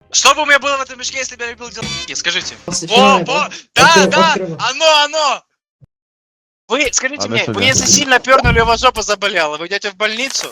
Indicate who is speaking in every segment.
Speaker 1: Что бы у меня было в этом мешке, если бы я любил делки? Скажите.
Speaker 2: Посвящаю,
Speaker 1: Да,
Speaker 2: открывай.
Speaker 1: оно! Вы, скажите мне, вы если сильно пернули, у вас жопа заболела, вы идете в больницу?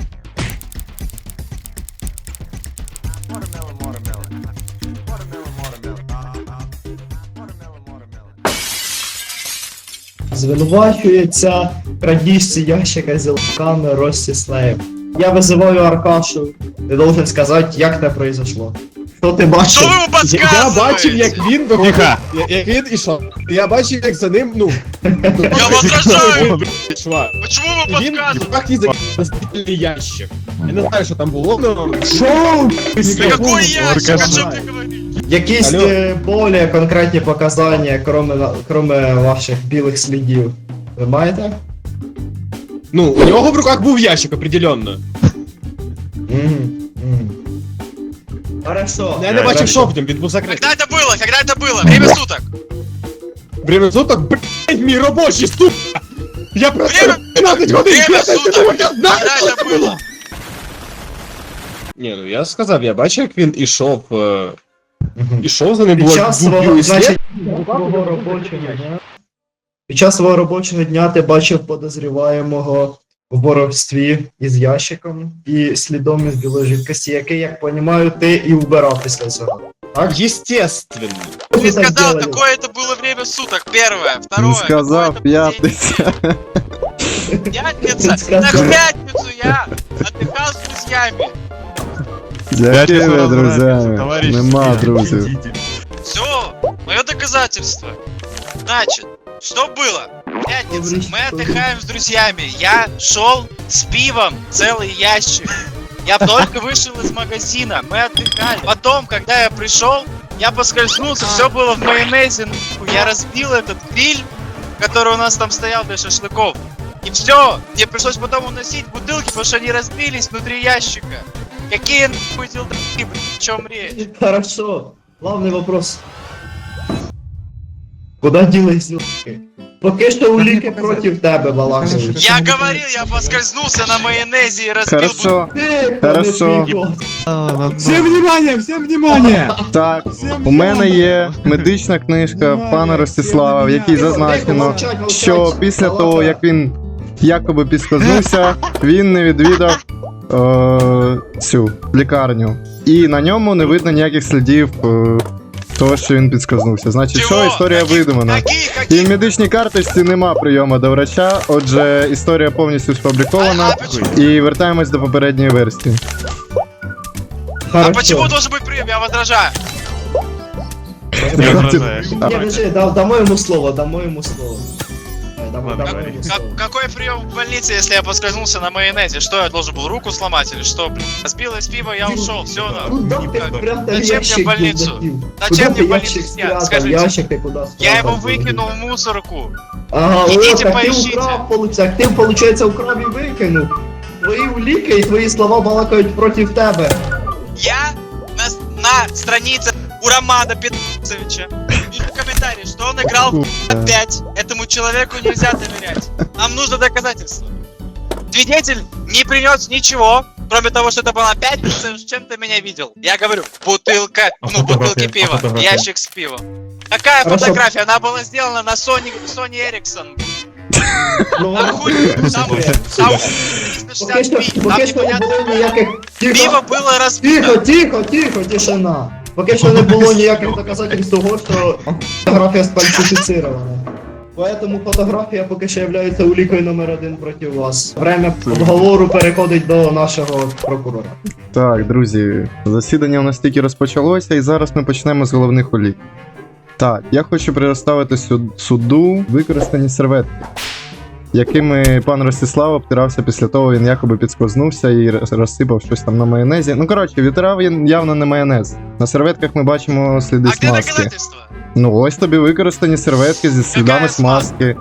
Speaker 2: Звинувачується крадіжці ящика з лаками Ростислав. Я визиваю Аркашу. Ти должен сказати, як це произошло. Що ти бачив?
Speaker 1: Что вы ему подсказываете?
Speaker 3: Я бачив, як він виходив, як він ішов. Я бачив, як за ним,
Speaker 1: Я возражаю!
Speaker 3: йшла.
Speaker 1: Почему вы
Speaker 3: Він
Speaker 1: подсказываете?
Speaker 3: пах і на спільний ящик. Я не знаю, що там було, но...
Speaker 2: Шоу!
Speaker 1: Да какой ящик, о
Speaker 3: Аркаша.
Speaker 1: чем ты говоришь?
Speaker 2: Якісь
Speaker 3: Алло.
Speaker 2: более конкретні показання, кроме ваших білих слідів. Ви маєте?
Speaker 3: Ну, у нього в руках був ящик, определенно.
Speaker 2: Хорошо.
Speaker 3: Я не бачив, що в ньому, він був закритий.
Speaker 1: Когда это было? Когда это было? Время суток!
Speaker 3: Время суток, блядь, мій робочий, сука! Я працюю
Speaker 1: Время-
Speaker 3: 15 годин,
Speaker 1: время
Speaker 3: 15
Speaker 1: суток.
Speaker 3: годин, я знаю,
Speaker 1: Когда
Speaker 3: що
Speaker 1: это
Speaker 3: це
Speaker 1: было?
Speaker 3: було! Ні, ну я сказав, я бачив, як він ішов, ішов за ним,
Speaker 2: Під
Speaker 3: було
Speaker 2: час
Speaker 3: буб'ю
Speaker 2: свого,
Speaker 3: і
Speaker 2: значить,
Speaker 3: слід.
Speaker 2: свого робочого дня. Під час свого робочого дня ти бачив подозріваємого в воровстві із ящиком і слідом із білої жидкості, який, як розумію, ти і вбирав після цього. Так?
Speaker 3: Естественно.
Speaker 1: Ты
Speaker 2: Що так
Speaker 1: сказал,
Speaker 2: делали?
Speaker 1: какое это было время суток, первое, второе.
Speaker 4: Не сказав,
Speaker 1: какое это был день
Speaker 4: п'ятниця.
Speaker 1: недели. Пятница,
Speaker 2: Сказал.
Speaker 1: так в пятницу я отдыхал с друзьями.
Speaker 4: З якими друзями? Нема друзів.
Speaker 1: Все, мое доказательство. Значит, что было? Пятница, мы отдыхаем с друзьями. Я шел с пивом, целый ящик. Я только вышел из магазина, мы отдыхали. Потом, когда я пришел, я поскользнулся, все было в майонезе. нахуй. Я разбил этот гриль, который у нас там стоял для шашлыков. И все, мне пришлось потом уносить бутылки, потому что они разбились внутри ящика. Какие нахуй делдаки, блядь, о чем речь?
Speaker 2: Хорошо. Главний вопрос. Куда ділись улики? Поки що улики проти тебе балакають.
Speaker 1: Я говорил, я поскользнулся на майонезе и разбил
Speaker 4: Хорошо.
Speaker 2: Тихо,
Speaker 4: Хорошо.
Speaker 2: не піго.
Speaker 3: Всем внимание, всем внимание!
Speaker 4: Так, у мене є медична книжка пана Ростислава, в якій зазначено, що після того, як він якоби підскользнувся, він не відвідав цю лікарню. І на ньому не видно ніяких слідів того, що він підскользнувся. Значить, що історія видумана. І в медичній карточці нема прийому до врача, отже, історія повністю сфабрикована. І вертаємось до попередньої версії.
Speaker 1: А почему должен быть прием? Я возражаю.
Speaker 2: Ні, подожди, дамо йому слово, дамо йому слово. Дамо йому слово.
Speaker 1: Какой прием в больнице, если я поскользнулся на майонезе? Что, я должен был руку сломать или что, блин? Разбилось пиво, я ушел, все,
Speaker 2: Куда ти спрятав
Speaker 1: Зачем мне
Speaker 2: ящик
Speaker 1: в больницу?
Speaker 2: дурдаків?
Speaker 1: Зачем
Speaker 2: Куда
Speaker 1: мне в
Speaker 2: ти
Speaker 1: больницу
Speaker 2: ящик
Speaker 1: снять?
Speaker 2: спрятав?
Speaker 1: Скажите.
Speaker 2: Ящик ти куди спрятав?
Speaker 1: Я его выкинул в мусорку.
Speaker 2: Ага,
Speaker 1: Ідіть
Speaker 2: о, так ти
Speaker 1: поищите.
Speaker 2: украв, получається. Ти, получається, украв і викинув. Твої уліки і твої слова балакають проти тебе.
Speaker 1: Я на странице у Романа Петровича вижу комментарий, что он играл в 5. Этому человеку нельзя доверять. Нам нужно доказательство. Свидетель не принес ничего, кроме того, что это была пятница, с чем ты меня видел. Я говорю, бутылка, бутылки пива, ящик с пивом. Какая
Speaker 2: Хорошо.
Speaker 1: фотография? Она была сделана на Sony Ericsson.
Speaker 2: Ну,
Speaker 1: Там хуй, там
Speaker 2: поки що,
Speaker 1: 360p, там
Speaker 2: поки що не
Speaker 1: непонятно.
Speaker 2: було ніяких...
Speaker 1: Пиво
Speaker 2: Тихо,
Speaker 1: было разбито.
Speaker 2: тихо, тишина. Поки що не було ніяких доказательств того, що фотографія сфальсифіцирована. Поэтому фотографія поки що є улікою номер 1 проти вас. Время обговору переходить до нашого прокурора.
Speaker 4: Так, друзі, засідання у нас тільки розпочалося, і зараз ми почнемо з головних улік. Так, я хочу предоставити суду використані серветки, якими пан Ростислав обтирався після того, він якоби підскользнувся і розсипав щось там на майонезі. Ну, коротше, відтирав він явно не майонез. На серветках ми бачимо сліди
Speaker 1: А где
Speaker 4: смазки.
Speaker 1: доказательства?
Speaker 4: Ну, ось тобі використані серветки зі слідами
Speaker 1: Яка
Speaker 4: смазки.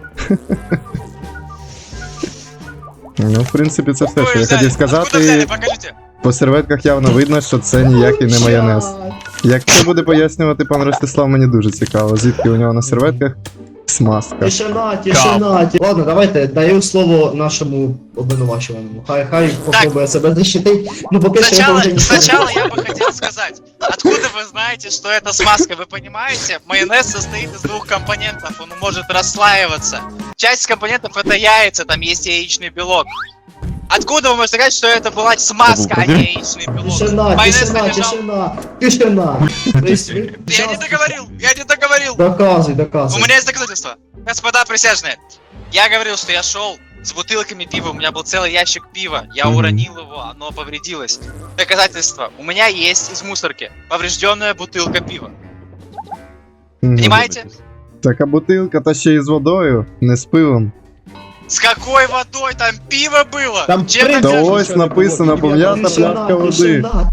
Speaker 4: Ну, в принципі, це все, що я хотів
Speaker 1: Откуда взяли?
Speaker 4: сказати.
Speaker 1: Покажите.
Speaker 4: По серветках явно видно, що це ніякий не майонез. Як це буде пояснювати пан Ростислав, мені дуже цікаво, звідки у нього на серветках Смазка.
Speaker 2: Тишина, тишина. Ладно, давайте даю слово нашому обвинувачуваному. Хай попробує себе защитить. Ну поки що його вже ніхто не
Speaker 1: Сначала я бы хотел сказать, откуда вы знаете, что это смазка? Вы понимаете, майонез состоит из двух компонентов, он может расслаиваться. Часть компонентов это яйца, там есть яичный белок. Откуда вы можете сказать, что это была смазка, а не яичный белок?
Speaker 2: Тишина,
Speaker 1: Майонез
Speaker 2: тишина,
Speaker 1: лежал.
Speaker 2: тишина, тишина. То есть вы-
Speaker 1: Я не договорил, я не договорил.
Speaker 2: Доказуй,
Speaker 1: У
Speaker 2: доказуй.
Speaker 1: меня есть доказательства. Господа присяжные, я говорил, что я шел с бутылками пива, у меня был целый ящик пива, я
Speaker 4: Мгм.
Speaker 1: уронил его, оно повредилось. Доказательства. У меня есть из мусорки поврежденная бутылка пива.
Speaker 4: Мгм.
Speaker 1: Понимаете?
Speaker 4: Така бутилка, та ще й з водою, не з пивом.
Speaker 1: С какой водой? Там пиво было!
Speaker 3: Там
Speaker 1: Чем
Speaker 3: принцип-
Speaker 1: там
Speaker 4: Та
Speaker 1: держишь?
Speaker 4: ось написано пов'ята пляшка води.
Speaker 2: тишина.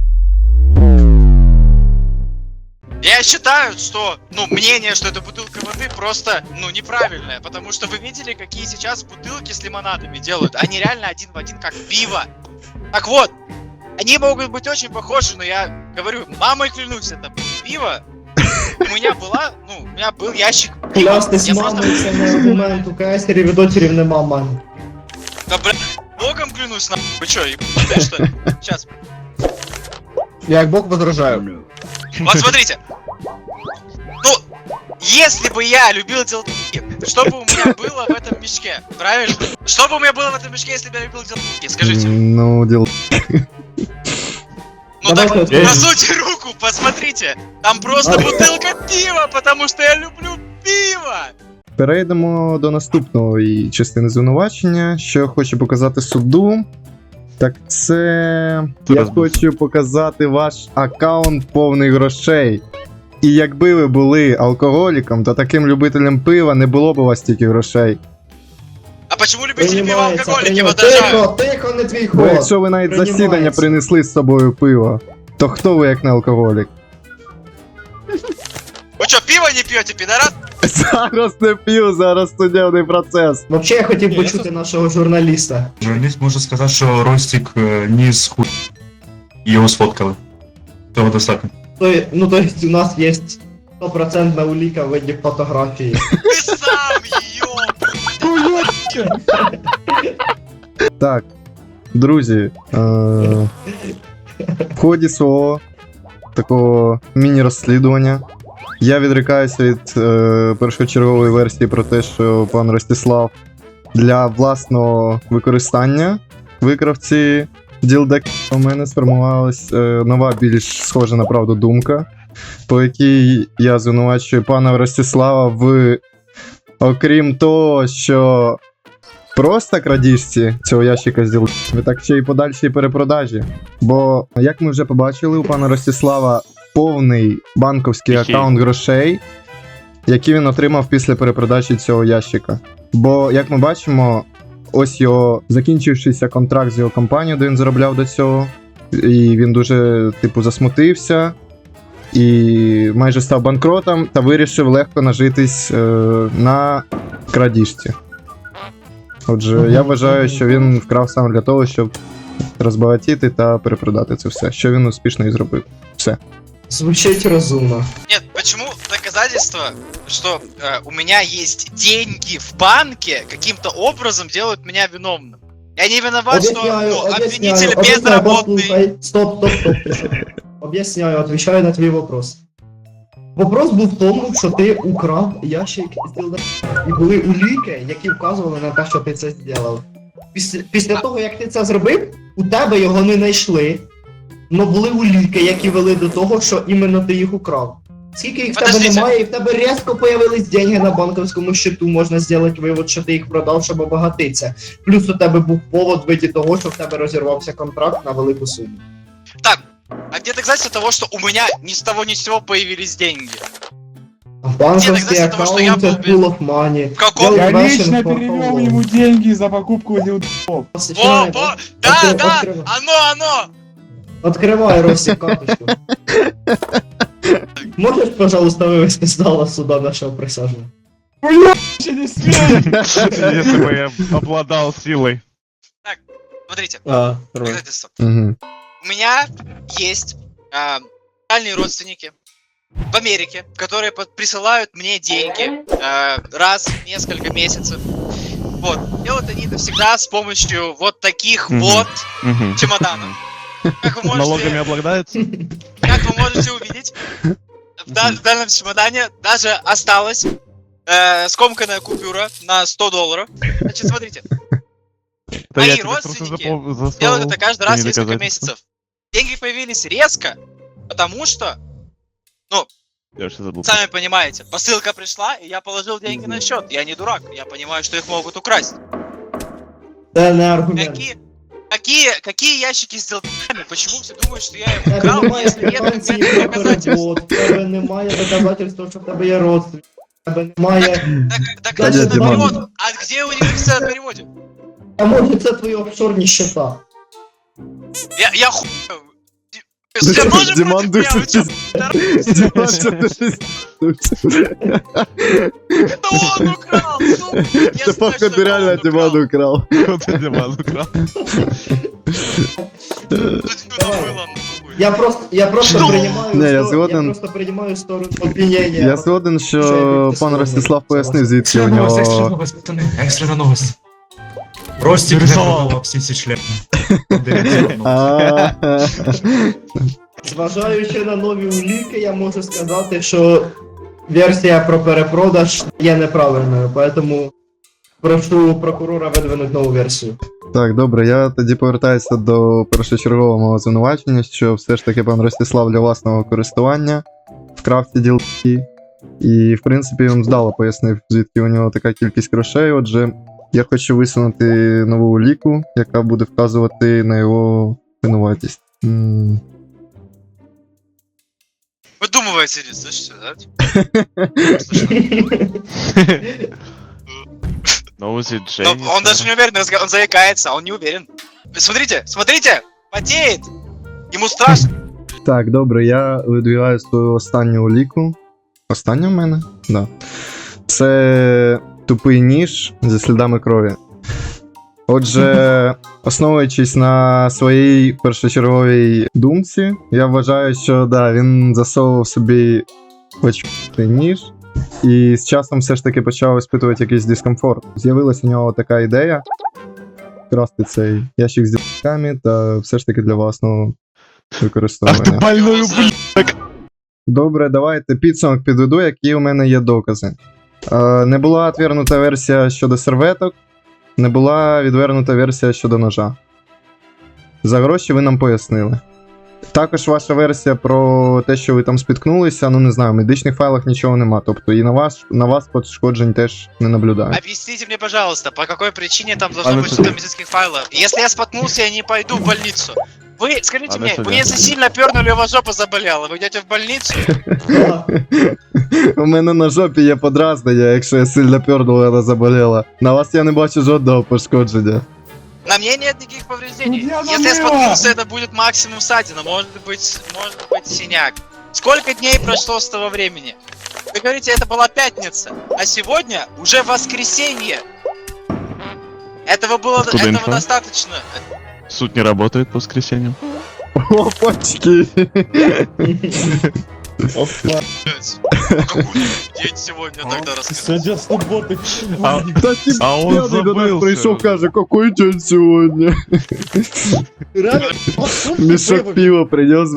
Speaker 1: Я считаю, что, мнение, что это бутылка воды просто, неправильное. Потому что вы видели, какие сейчас бутылки с лимонадами делают? Они реально один в один как пиво. Так вот, они могут быть очень похожи, но я говорю, мамой клянусь, это пиво. У меня был ящик пива.
Speaker 2: Клясти
Speaker 1: Я
Speaker 2: з
Speaker 1: просто,
Speaker 2: мамою це не аргумент. У кайсерів і дотерів нема мами.
Speaker 1: да, богом клянусь, вы чё, ебаные, что ли? Сейчас.
Speaker 3: Я як Бог возражаю.
Speaker 1: Вот смотрите. Если бы я любил делки, что бы у меня было в этом мешке? Правильно? Что бы у меня было в этом мешке, если бы я любил делки? Скажите.
Speaker 4: Ну, діл.
Speaker 1: Ну
Speaker 2: Давай
Speaker 1: так,
Speaker 2: откроем.
Speaker 1: просуньте руку, посмотрите. Там просто бутылка пива, потому что я люблю пиво.
Speaker 4: Перейдемо до наступної частини звинувачення, що я хочу показати суду. Так це. Я хочу показати ваш аккаунт повний грошей. І якби ви були алкоголіком та таким любителем пива, не було б у вас стільки грошей.
Speaker 1: А почему любители пива
Speaker 2: Приймається,
Speaker 1: алкоголики
Speaker 2: приймається.
Speaker 1: водожают?
Speaker 2: Тихо, не твій
Speaker 4: Бо
Speaker 2: ход.
Speaker 4: якщо ви навіть
Speaker 2: Приймається.
Speaker 4: засідання принесли з собою пиво, то хто ви як не алкоголік?
Speaker 1: Вы что, пиво не пьете, пидорас?
Speaker 4: Зараз не п'ю, зараз судебний процес.
Speaker 2: Вообще я хотів почути нашого журналіста.
Speaker 5: Журналіст може сказати, що Ростик ніс хуй. Його сфоткали. Того достатньо.
Speaker 2: То есть у нас є 100% уліка в виді фотографії.
Speaker 1: Ты сам, ёб.
Speaker 4: Так, друзі, в ході свого такого міні-розслідування я відрікаюся від першочергової версії про те, що пан Ростислав для власного використання викрав ці ділдаки. У мене сформувалась нова, більш схожа на правду думка, по якій я звинувачую пана Ростислава в, окрім того, що просто крадіжці цього ящика з ділками, так ще й подальшій перепродажі. Бо, як ми вже побачили, у пана Ростислава повний банковський аккаунт грошей, які він отримав після перепродажі цього ящика. Бо, як ми бачимо, ось його закінчившийся контракт з його компанією, де він заробляв до цього, і він дуже, засмутився, і майже став банкротом, та вирішив легко нажитись на крадіжці. Отже, я вважаю, що він вкрав саме для того, щоб розбагатіти та перепродати це все, що він успішно і зробив. Все.
Speaker 2: Звучить розумно.
Speaker 1: Нет, почему доказательства, что у меня есть деньги в банке, каким-то образом делают меня виновным? Я не виноват, что обвинитель безработный.
Speaker 2: послухай. Стоп, тишина. Об'ясняю, отвечаю на твій вопрос. Вопрос був в тому, що ти украв ящик з ділдаків. І були уліки, які вказували на те, що ти це зробив. Після того, як ти це зробив, у тебе його не знайшли. Но були уліки, які вели до того, що іменно ти їх украв. Скільки їх в тебе
Speaker 1: Подождите.
Speaker 2: немає, і в тебе різко появились деньги на банківському счету, можна зробити вивод, що ти їх продав, щоб обагатитися. Плюс у тебе був повод в виді того, що в тебе розірвався контракт на велику суму.
Speaker 1: Так, а где доказательство того, что у меня ни с того ни с сего появились деньги?
Speaker 2: Банковский
Speaker 1: доказательства того, что я
Speaker 2: аккаунт,
Speaker 1: был
Speaker 2: pool of money.
Speaker 1: В каком?
Speaker 2: Я
Speaker 3: Я
Speaker 2: Russian
Speaker 3: лично
Speaker 2: for
Speaker 3: перевел
Speaker 2: how
Speaker 3: ему
Speaker 2: long?
Speaker 3: деньги за покупку дилдов.
Speaker 1: Во, да,
Speaker 2: Открывай.
Speaker 1: оно!
Speaker 2: Открывай, Ростик, карточку. Можешь, пожалуйста, вывести с зала суда нашего присяжного?
Speaker 3: Вообще не смей!
Speaker 6: Если бы я обладал силой.
Speaker 1: Смотрите,
Speaker 3: Нормально.
Speaker 1: доказательства.
Speaker 4: Угу.
Speaker 1: У меня есть дальние родственники, в Америке, которые присылают мне деньги раз в несколько месяцев. Вот. Делают они это всегда с помощью вот таких вот чемоданов. Как вы
Speaker 6: Налогами
Speaker 1: можете,
Speaker 6: облагаются?
Speaker 1: как вы можете увидеть, в данном чемодане даже осталась скомканная купюра на $100. Значит, смотрите.
Speaker 6: Да
Speaker 1: Мои
Speaker 6: я тебе просто
Speaker 1: родственники
Speaker 6: засовывал
Speaker 1: делают это каждый раз в
Speaker 6: не
Speaker 1: несколько
Speaker 6: доказательство.
Speaker 1: месяцев. Деньги появились резко, потому что,
Speaker 6: Я сейчас забыл.
Speaker 1: сами понимаете, посылка пришла, и я положил деньги на счет. Я не дурак, я понимаю, что их могут украсть.
Speaker 2: Це не аргумент.
Speaker 1: Какие ящики с делами? Почему все думают, что я их
Speaker 2: В тебе
Speaker 1: украл,
Speaker 2: немає
Speaker 1: если нет
Speaker 2: квитанції
Speaker 1: конкретных
Speaker 2: про
Speaker 1: доказательств?
Speaker 2: перевод, в тебе немає доказательства, що в тебе є родственник, в тебе немає...
Speaker 1: Так
Speaker 2: Да,
Speaker 1: значит,
Speaker 2: Диман.
Speaker 1: перевод. А где у них все о переводе?
Speaker 2: А може це твої офшорні счета?
Speaker 1: Я хуй. Я тоже
Speaker 4: Диман
Speaker 1: против меня, вы чё,
Speaker 4: Диман, що ти пиздуєш?
Speaker 1: это он украл, сука! Я
Speaker 4: Це
Speaker 1: знаю,
Speaker 4: походу
Speaker 1: что это
Speaker 4: реально
Speaker 1: он
Speaker 4: Диман
Speaker 1: украл.
Speaker 4: украл.
Speaker 6: Кто Диман украл?
Speaker 1: Тут что там было, нахуй?
Speaker 2: Я просто
Speaker 1: Что?
Speaker 2: приймаю
Speaker 4: Не, я
Speaker 2: сто-
Speaker 4: згоден.
Speaker 2: я просто приймаю сторону обвинення.
Speaker 4: Я згоден, що пан Ростислав пояснив, звідки у
Speaker 5: Екстрена новость, екстрена
Speaker 4: нього.
Speaker 5: новость, пацани, екстрена новость. Ростик не
Speaker 6: Нарисував.
Speaker 5: продавав всі ці члени.
Speaker 4: А,
Speaker 2: Зважаючи на нові уліки, я можу сказати, що версія про перепродаж є неправильною, поэтому прошу прокурора видвинути нову версію.
Speaker 4: Так, добре, я тоді повертаюся до першочергового мого звинувачення, що все ж таки пан Ростислав для власного користування вкрав ці ділки. І, в принципі, він вдало пояснив, звідки у нього така кількість грошей. Отже, я хочу висунути нову уліку, яка буде вказувати на його винуватість.
Speaker 1: Выдумываете, слышите, да?
Speaker 6: Ноузи
Speaker 1: Но
Speaker 6: Дженни.
Speaker 1: он даже не уверен, он заикается, он не уверен. Смотрите, смотрите, потеет! Ему страшно.
Speaker 4: Так, добре, я видвігаю свою останню уліку. Остання в мене? Да. Це тупий ніж зі слідами крові. Отже, основуючись на своїй першочерговій думці, я вважаю, що да, він засовував собі очкутий ніж, і з часом все ж таки почав іспитувати якийсь дискомфорт. З'явилася у нього така ідея красти цей ящик з ділками та все ж таки для власного
Speaker 6: Ах ты
Speaker 4: використовування.
Speaker 6: больной
Speaker 1: Его
Speaker 6: ублюдок.
Speaker 4: Добре, давайте підсумок підведу, які у мене є докази. Не була відвернута версія щодо серветок, не була відвернута версія щодо ножа. За гроші ви нам пояснили. Також ваша версія про те, що ви там спіткнулися, ну не знаю, в медичних файлах нічого нема, тобто і на вас пошкоджень теж не наблюдаю.
Speaker 1: Объясните мне, пожалуйста, по какой причине там должно
Speaker 6: Ладно,
Speaker 1: быть что-то в медицинских файлах? Если я споткнулся, я не пойду в больницу. Вы, скажите
Speaker 6: Ладно,
Speaker 1: мне,
Speaker 6: сюда.
Speaker 1: вы если сильно пернули, у вас жопа заболела, вы идете в больницу?
Speaker 4: У мене на жопі є подразнення, якщо я сильно пёрнув, вона заболіла. На вас я не бачу жодного пошкодження.
Speaker 1: На мне нет никаких повреждений.
Speaker 3: Ну, я
Speaker 1: Если я
Speaker 3: намыла.
Speaker 1: споткнулся, это будет максимум ссадина, может быть синяк. Сколько дней прошло с того времени? Вы говорите, это была пятница, а сегодня уже воскресенье.
Speaker 6: Откуда
Speaker 1: Этого
Speaker 6: инфа?
Speaker 1: достаточно.
Speaker 6: Суд не работает по воскресеньям.
Speaker 4: Опачки!
Speaker 1: Какой день сегодня тогда расскажи.
Speaker 3: Сегодня субботы.
Speaker 6: А,
Speaker 4: Та ти
Speaker 6: а он
Speaker 4: п'яний до нас
Speaker 6: забыл.
Speaker 4: прийшов, каже, який день сьогодні?
Speaker 3: Реально?
Speaker 4: Мішок пива принес.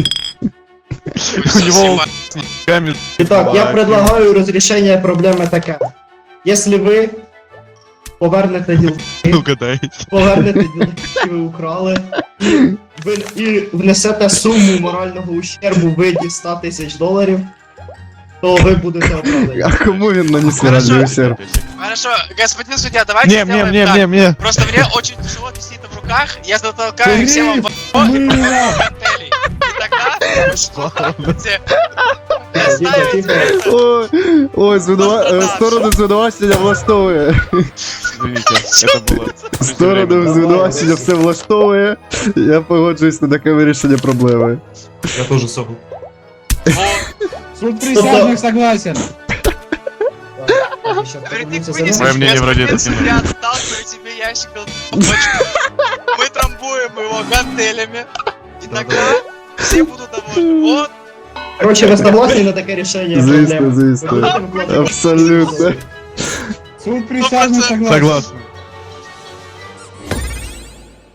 Speaker 6: У него камень.
Speaker 2: Итак, я предлагаю разрешение проблеми таке. Если ви повернете ділки,
Speaker 6: Угадайте.
Speaker 2: повернете ділки, які ви украли, і внесете суму морального ущербу в виді $100 000, то ви будете оправдані.
Speaker 4: А кому він наніс
Speaker 1: Хорошо.
Speaker 4: моральний ущерб?
Speaker 1: Хорошо, господин судья, давайте
Speaker 6: Не,
Speaker 1: сделаем так.
Speaker 6: мне.
Speaker 1: Просто мне очень тяжело нести это в руках, я затолкаю их всем вам в охо и попробую коктейли. И тогда вы сможете
Speaker 2: Тихо,
Speaker 1: доставить
Speaker 2: тихо.
Speaker 4: Ой, ой, сторону звинувачення влаштовує.
Speaker 6: Извините, это было...
Speaker 4: Сторону звинувачення все влаштовує. Я погоджуюсь на таке вирішення проблеми.
Speaker 5: Я теж собі.
Speaker 3: Суд присяжных согласен.
Speaker 2: Так, ще
Speaker 1: Говорит, ты
Speaker 2: подивимося за
Speaker 1: вынесешь
Speaker 6: Мое мнение вроде это
Speaker 1: судья, сталкиваю тебе ящик бочку. Мы трамбуем его гантелями. И тогда все будут довольны. Вот,
Speaker 2: Короче, ви согласні на таке рішення
Speaker 4: Звісно,
Speaker 2: проблеми?
Speaker 4: звісно.
Speaker 2: Ви будете викладати-
Speaker 4: Абсолютно.
Speaker 3: Суд присяжный согласен.
Speaker 6: Согласен.